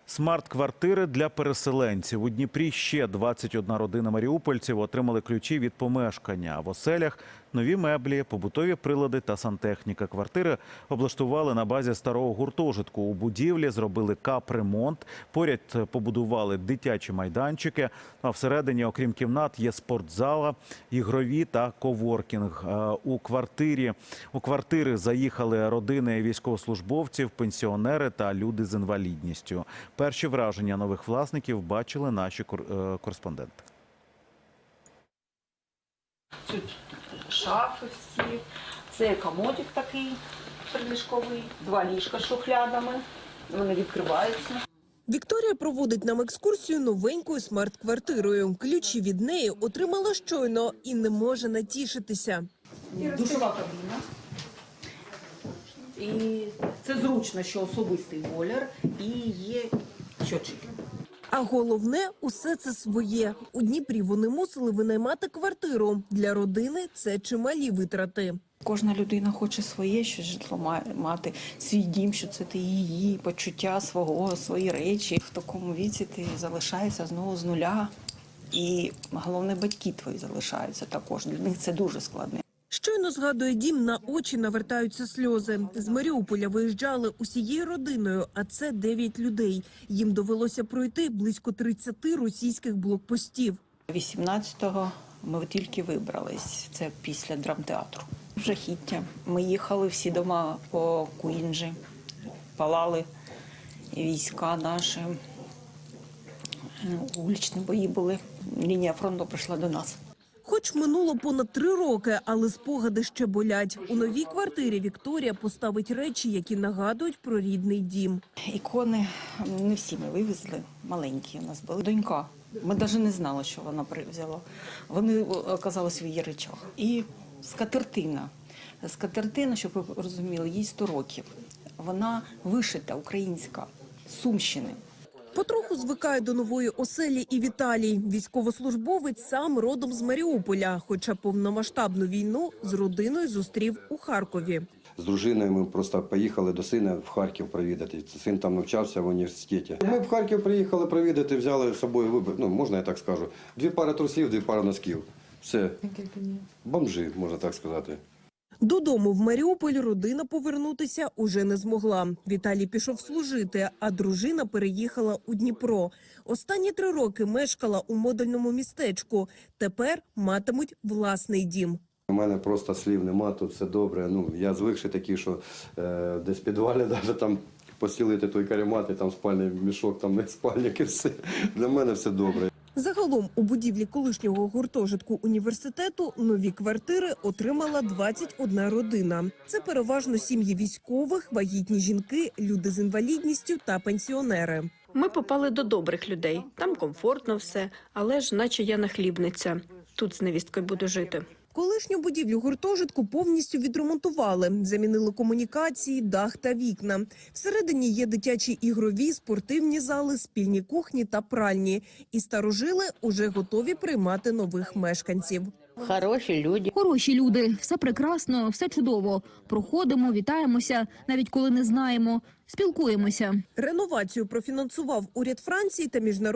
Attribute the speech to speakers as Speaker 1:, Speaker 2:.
Speaker 1: Смарт-квартири для переселенців. У Дніпрі ще 21 родина маріупольців отримали ключі від помешкання. А в оселях нові меблі, побутові прилади та сантехніка. Квартири облаштували на базі старого гуртожитку. У будівлі зробили капремонт, поряд побудували дитячі майданчики. А всередині, окрім кімнат, є спортзала, ігрові та коворкінг. У квартири заїхали родини військовослужбовців, пенсіонери та люди з інвалідністю. Перші враження нових власників бачили наші кореспонденти.
Speaker 2: Тут шафи всі, це комодик такий приліжковий, 2 ліжка з шухлядами, вони відкриваються.
Speaker 3: Вікторія проводить нам екскурсію новенькою смарт-квартирою. Ключі від неї отримала щойно і не може натішитися.
Speaker 2: Душова кабіна. І це зручно, що особистий бойлер і є щотчики.
Speaker 3: А головне – усе це своє. У Дніпрі вони мусили винаймати квартиру. Для родини це чималі витрати.
Speaker 4: Кожна людина хоче своє, що житло мати, свій дім, що це ти її, почуття свого, свої речі. В такому віці ти залишаєшся знову з нуля. І головне, батьки твої залишаються також. Для них це дуже складно.
Speaker 3: Щойно згадує дім, на очі навертаються сльози. З Маріуполя виїжджали усією родиною, а це 9 людей. Їм довелося пройти близько 30 російських блокпостів.
Speaker 4: 18-го ми тільки вибрались, це після драмтеатру. Жахіття. Ми їхали всі дома по Куінджі, палали війська наші, вуличні бої були, лінія фронту прийшла до нас.
Speaker 3: Хоч минуло понад 3 роки, але спогади ще болять. У новій квартирі Вікторія поставить речі, які нагадують про рідний дім.
Speaker 4: Ікони не всі ми вивезли, маленькі у нас були. Донька, ми навіть не знали, що вона взяла. Вони оказалися в її речах. І скатертина. Скатертина, щоб ви розуміли, їй 100 років. Вона вишита, українська, з Сумщини.
Speaker 3: Потроху звикає до нової оселі і Віталій. Військовослужбовець сам родом з Маріуполя, хоча повномасштабну війну з родиною зустрів у Харкові.
Speaker 5: З дружиною ми просто поїхали до сина в Харків провідати. Син там навчався в університеті. Ми в Харків приїхали провідати, взяли з собою вибір, можна я так скажу, 2 пари трусів, 2 пари носків. Все. Бомжи, можна так сказати.
Speaker 3: Додому в Маріуполь родина повернутися уже не змогла. Віталій пішов служити, а дружина переїхала у Дніпро. Останні 3 роки мешкала у модульному містечку. Тепер матимуть власний дім.
Speaker 5: У мене просто слів нема, тут все добре. Я звикший такий, що десь в підвалі навіть там постілити той каремат, і там спальний мішок, там не спальник і все. Для мене все добре.
Speaker 3: Загалом у будівлі колишнього гуртожитку університету нові квартири отримала 21 родина. Це переважно сім'ї військових, вагітні жінки, люди з інвалідністю та пенсіонери.
Speaker 6: Ми попали до добрих людей. Там комфортно все, але ж наче я нахлібниця. Тут з невісткою буду жити.
Speaker 3: Колишню будівлю гуртожитку повністю відремонтували. Замінили комунікації, дах та вікна. Всередині є дитячі ігрові, спортивні зали, спільні кухні та пральні. І старожили уже готові приймати нових мешканців.
Speaker 7: Хороші люди, все прекрасно, все чудово. Проходимо, вітаємося, навіть коли не знаємо, спілкуємося.
Speaker 3: Реновацію профінансував уряд Франції та міжнародний